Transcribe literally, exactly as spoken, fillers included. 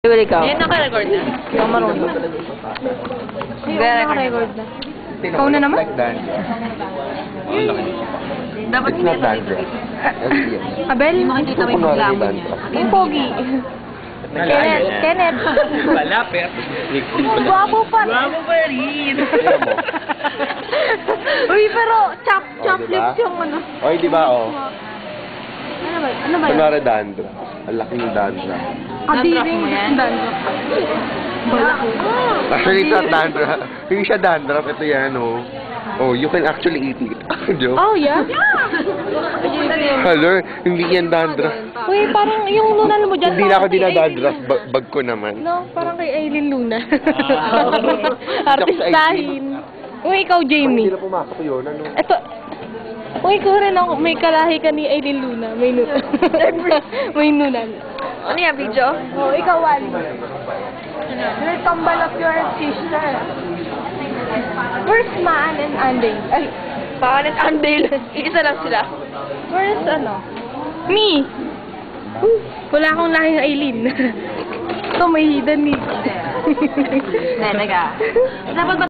Wala ikaw. Yan, naka-record na. Ikaw marunong. Naka-record na. Ikaw na naman? Dapat It's not dandruff. Abel? Hindi makikita mo yung maglamon niya. Yung pogi. Kenneth. Kenneth. Wala, pero... Guwapo pa. Guwapo pa rin. Uy, pero chop, Oh, chop diba? lips yung ano. Oy, di ba, oh? Ano ba? Ano ba yun? Kunwari dandruff. Ang laki ng dandruff. Kadiring. mo yan? Dandruff. Balak. Actually, it's not dandruff. Hindi siya dandruff. Ito yan, oh. Oh, you can actually eat it. Joke. Oh, yeah? Hello, hindi yan dandruff. Uy, parang yung lunan mo dyan. Hindi na ako parang kay dinadandruff. Aileen. Bag, bag ko naman. No, parang kay Aileen Luna. Ah. Artistahin. Uy, ikaw, Jamie. Hindi na pumasok yun, ano? Ito. Uy, ikaw rin ako. May kalahi ka ni Aileen Luna. May nunan. May nunan. Ano yan, video? Oh, ikaw, Wally. Let's tumble up your sister. Where's Maan and Anday? Ay, Paan at Andale. Iisa lang sila. where's ano? Me. Wala akong lahing Aileen. Ito, may hidden ni. Nene ka. Dapat ba